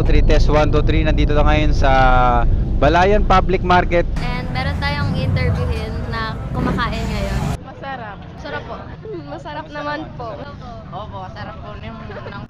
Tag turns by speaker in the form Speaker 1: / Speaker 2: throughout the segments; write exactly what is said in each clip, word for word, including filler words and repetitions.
Speaker 1: three, test one, two, three. Nandito na ngayon sa Balayan Public Market.
Speaker 2: And meron tayong interviewin na kumakain ngayon.
Speaker 3: Masarap.
Speaker 2: Sarap po.
Speaker 3: Masarap naman po.
Speaker 4: Opo, sarap po ng ng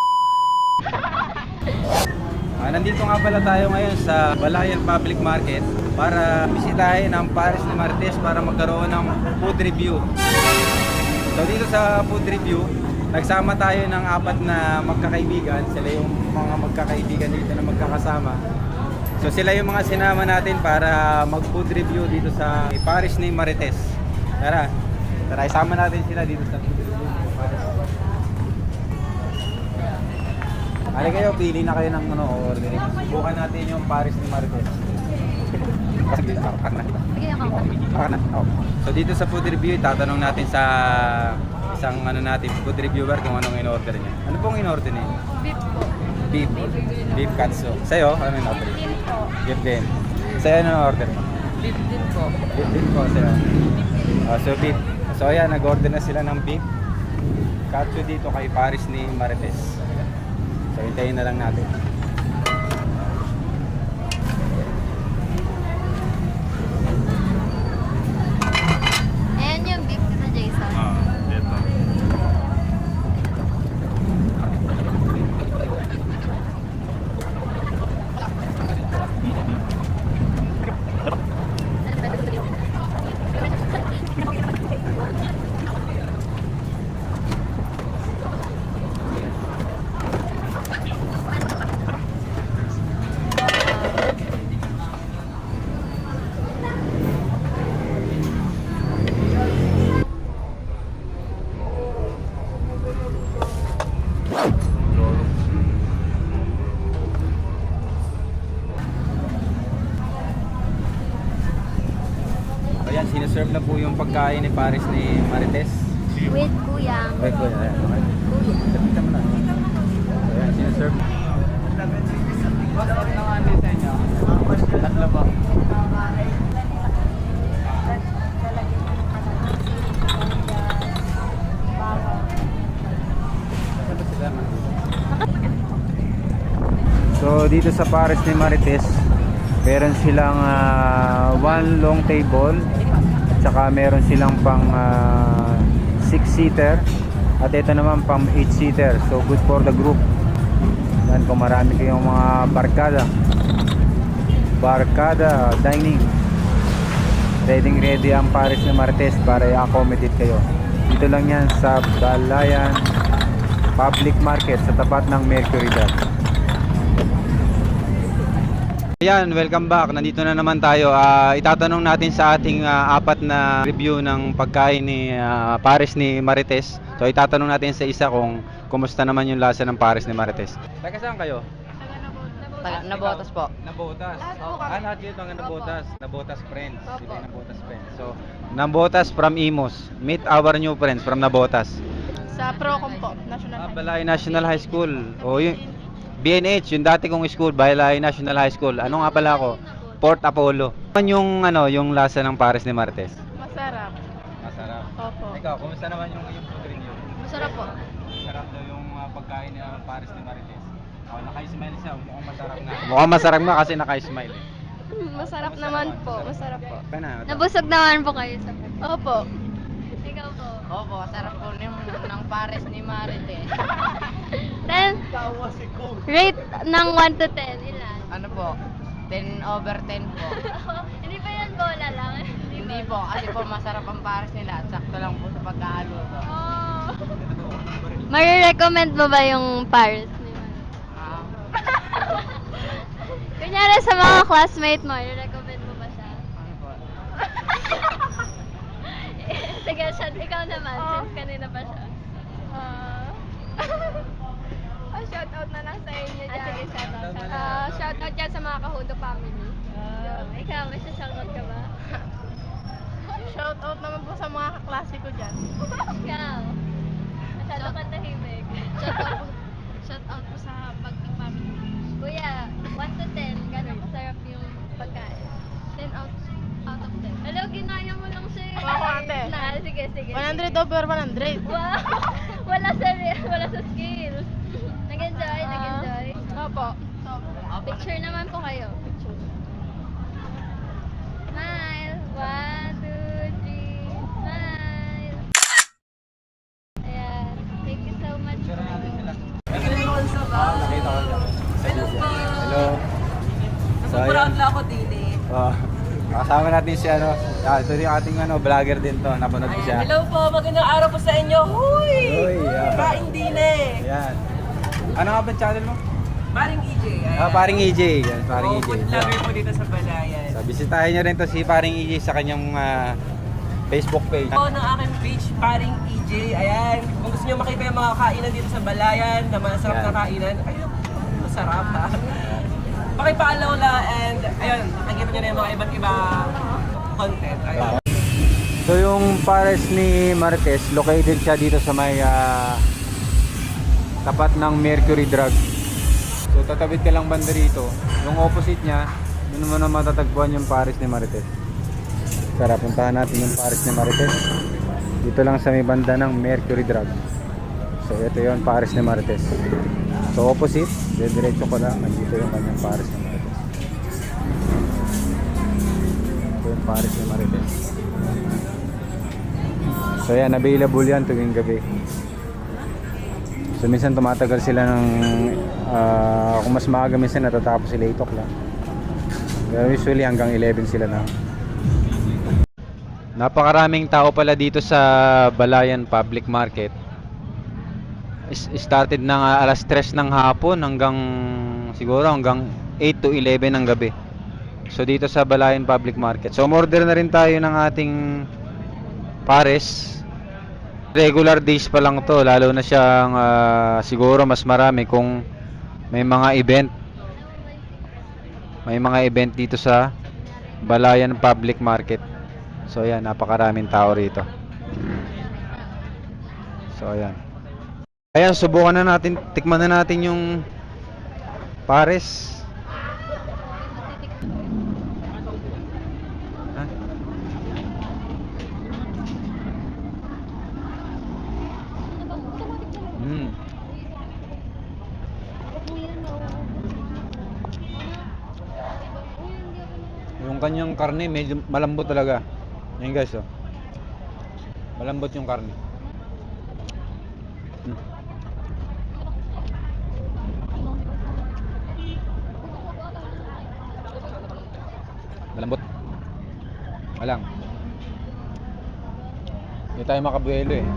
Speaker 1: Ah, nandito nga pala tayo ngayon sa Balayan Public Market para bisitahin ang Paris ni Marites para magkaroon ng food review. So dito sa food review, nagsama tayo ng apat na magkakaibigan. Sila yung mga magkakaibigan dito na magkakasama. So sila yung mga sinama natin para mag-food review dito sa Paris ni Marites. Tara, tara isama natin sila dito sa food review. Halika kayo, pili na kayo ng ano, order. Subukan natin yung Paris ni Marites. Kasi dito, kakak na.
Speaker 2: Sige, ako.
Speaker 1: Kakak na. Oh. So dito sa food review, tatanong natin sa isang ano natin, food reviewer kung anong in-order niya. Ano pong in-order niya?
Speaker 3: Beef po.
Speaker 1: Beef. Beef katsu. Sa'yo, ano in-order niya?
Speaker 3: Beef po.
Speaker 1: Beef din. Sa'yo, ano in-order mo?
Speaker 4: beef din po.
Speaker 1: Beef din po sa'yo. Oh, so beef. So ayan, nag-order na sila ng beef katsu dito kay Paris ni Marites. So hintayin na lang natin.
Speaker 2: Ayan yung beef na Jason.
Speaker 1: Ah, dito. Ayan, sineserve na po yung pagkain ni Paris ni Marites.
Speaker 2: With kuyang.
Speaker 1: Wait, wait, ayan. Tapos mo na. So, ayan, sineserve.
Speaker 4: Masarap naman din sa inyo. Tatlo po.
Speaker 1: So dito sa Paris ni Marites, meron silang ah, one long table at saka meron silang pang ah, six seater at ito naman pang eight seater. So good for the group. Yan, kung marami kayong mga barkada. Barkada dining. Ready ready ang Paris ni Marites para i-accommodate kayo. Dito lang yan sa Balayan Public Market sa tapat ng Mercury Dam. Ayan, welcome back. Nandito na naman tayo. Ah, itatanong natin sa ating ah, apat na review ng pagkain ni ah, Paris ni Marites. So itatanong natin sa isa kung kumusta naman yung lasa ng Paris ni Marites. Taga saan kayo?
Speaker 4: Taga- Nabotas po.
Speaker 1: Nabotas.
Speaker 3: Lahat po
Speaker 1: Oh,
Speaker 3: kami.
Speaker 1: ah, lahat yun mga Nabotas. Nabotas friends.
Speaker 3: Opo.
Speaker 1: Sila yung Nabotas friends. So, Nabotas from Imus. Meet our new friends from Nabotas.
Speaker 3: Sa Procom po. National
Speaker 1: Ah,
Speaker 3: High.
Speaker 1: Balay National High School. O yun. B N H, yung dati kong school, Balay National High School. Ano nga pala ako? Port Apollo. Ano yung ano, yung lasa ng Paris ni Marites?
Speaker 3: Masarap.
Speaker 1: Masarap.
Speaker 3: Opo.
Speaker 1: Ikaw, kumusta naman yung yung food review?
Speaker 2: Masarap po.
Speaker 1: Masarap daw yung uh, pagkain ni uh, Paris ni Marites. Oh, naka-smile siya, mukhang masarap na. Mukhang masarap na kasi naka-smile eh.
Speaker 3: Masarap naman po. Masarap po.
Speaker 1: Kaya na.
Speaker 2: Nabusog naman po kayo sa food.
Speaker 3: Opo.
Speaker 2: Ikaw po.
Speaker 4: Opo, sarap po ng ng Paris ni Marites.
Speaker 2: Then, rate ng one to ten, ilan?
Speaker 4: Ano po? ten over ten po.
Speaker 2: Hindi pa yan bola lang.
Speaker 4: Hindi po, kasi po masarap ang Paris nila at sakto lang po sa pagkakaluto.
Speaker 2: Oh. Mare-recommend mo ba yung Paris ni Man?
Speaker 4: Ah,
Speaker 2: Kunyari sa mga classmate mo, i-recommend mo ba siya?
Speaker 4: ano po?
Speaker 2: Sige, siya, ikaw naman,
Speaker 3: Oh.
Speaker 2: since kanina pa siya.
Speaker 3: Ah, ah, shout out na lang sa inyo
Speaker 2: Ah,
Speaker 3: dyan.
Speaker 2: sige, shout out, shout out.
Speaker 3: Ah, shout out dyan sa mga Kahudo family.
Speaker 2: Ah, ikaw, may shoutout ka ba?
Speaker 3: Shout out naman po sa mga kaklase ko dyan.
Speaker 2: Ikaw. Masyado ka tahimik.
Speaker 3: Shout out po, shout out po sa Pagting family.
Speaker 2: Kuya, one to ten, gano'ng kasarap yung pagkain?
Speaker 3: ten out, out of ten.
Speaker 2: Hello, ginaya mo lang siya. eh.
Speaker 3: Oo, ate.
Speaker 2: Na, sige, sige.
Speaker 3: one hundred over one hundred.
Speaker 2: Wow! Wala sa, wala sa skills. Nag-enjoy,
Speaker 3: Ah,
Speaker 2: nag-enjoy.
Speaker 3: Opo. Sobra.
Speaker 2: Picture naman po kayo. Picture. Smile. One, two, three. Smile. Ayan. Thank you so much.
Speaker 1: Picture natin sila. Ah, nakita ko lang. Hello. So, ayan.
Speaker 5: Proud lang ako din eh.
Speaker 1: Oh, kasama natin si ano, ah, ito yung ating ano, vlogger din to, napanood ko siya.
Speaker 5: Hello po, magandang araw po sa inyo. Huy!
Speaker 1: Uy, ah.
Speaker 5: Kain din eh.
Speaker 1: Ayan. Ano nga ba yung channel mo?
Speaker 5: Paring E J. Ayan.
Speaker 1: Ah, paring E J. Yan, paring
Speaker 5: Oh,
Speaker 1: E J.
Speaker 5: food vlogger po dito sa Balayan.
Speaker 1: So, bisitahin nyo rin to si paring E J sa kanyang ah, Facebook page.
Speaker 5: Ako ng aking page, Paring E J. Ayan. Kung gusto nyo makita yung mga kainan dito sa Balayan, na masarap
Speaker 1: Ayan.
Speaker 5: na kainan, ayun, masarap ha. Pakipalaw na and ayun, nakikita nyo na yung mga iba't iba content. Ayun.
Speaker 1: So yung pares ni Marites, located siya dito sa may ah, tapat ng Mercury Drug. So tatawid ka lang banda rito. Yung opposite niya, doon mo na matatagpuan yung pares ni Marites. Tara, puntahan natin yung pares ni Marites. Dito lang sa may banda ng Mercury Drug. So ito yung pares ni Marites. So opposite, diretso ko lang, nandito yung kanyang pares ni Marites. Ito yung pares ni Marites. So yan, available yan tuwing gabi. So minsan tumatagal sila ng uh, kung mas maaga minsan natatapos sila eight o'clock. Pero usually hanggang eleven sila na. Napakaraming tao pala dito sa Balayan Public Market. Is- Started ng uh, alas tres ng hapon hanggang siguro hanggang eight to eleven ng gabi. So dito sa Balayan Public Market. So order na rin tayo ng ating pares. Regular days pa lang to, lalo na siyang uh, siguro mas marami kung may mga event. May mga event dito sa Balayan Public Market. So ayan, napakaraming tao rito. So ayan. Ayan, subukan na natin, tikman na natin yung pares. Ha? Mm. Yung kanyang karne medyo malambot talaga. Ayan guys, oh. Malambot yung karne. Mm. Malambot. Malang. Hindi tayo makabuelo eh.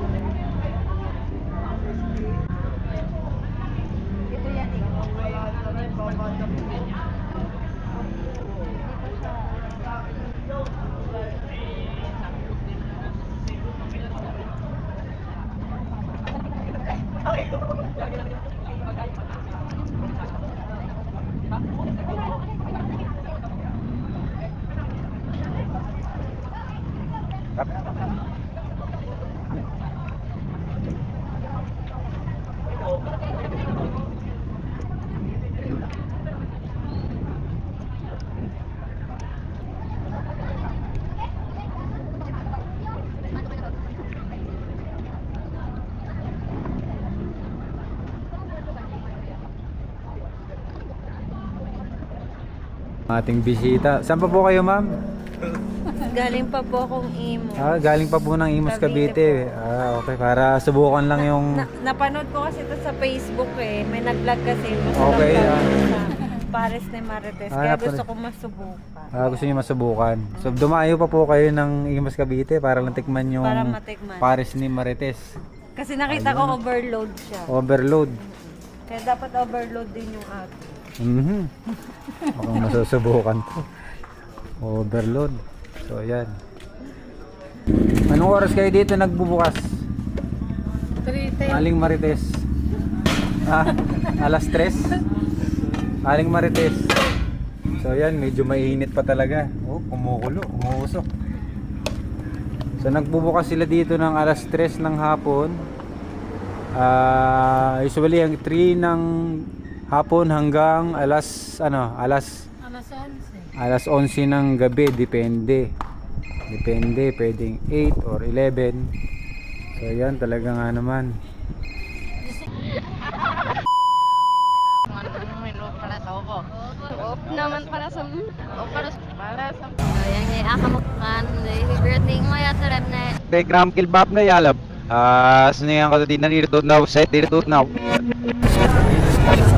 Speaker 1: Ating bisita. Saan pa po kayo, ma'am?
Speaker 6: Galing pa po akong imo.
Speaker 1: Ah, galing pa po ng Imus, Cavite. Ah, okay. Para subukan lang yung...
Speaker 6: Na, napanood ko kasi ito sa Facebook eh. May nag-vlog kasi. Masarap
Speaker 1: Okay,
Speaker 6: daw
Speaker 1: ah.
Speaker 6: sa Pares ni Marites.
Speaker 1: Ah,
Speaker 6: Kaya
Speaker 1: napanood.
Speaker 6: gusto ko masubukan.
Speaker 1: Ah, gusto niyo masubukan. So, dumayo pa po kayo ng Imus, Cavite para lang tikman yung
Speaker 6: Para matikman.
Speaker 1: pares ni Marites.
Speaker 6: Kasi nakita ko overload siya.
Speaker 1: Overload.
Speaker 6: Kaya dapat overload din yung akin.
Speaker 1: Mhm. Mukhang masusubukan to. Overload. So, ayan. Anong oras kayo dito nagbubukas? Aling Marites. Ah, alas tres. Aling Marites. So, ayan. Medyo mainit pa talaga. Oh, kumukulo. Umuusok. So, nagbubukas sila dito ng alas tres ng hapon. Ah, usually, ang three ng hapon hanggang alas ano, alas alas onse ng gabi, depende. Depende, pwedeng eight or eleven. So yan, talaga nga naman.
Speaker 4: Ano menu pala sa ako?
Speaker 2: naman para sa... O para sa...
Speaker 4: Para sa...
Speaker 2: Ayan, ngayon ako makukan. Birthday mo ya sa rem na...
Speaker 1: Telegram kilbab na yalab. Ah, sino yang kalau di nanirito now, set dirito now.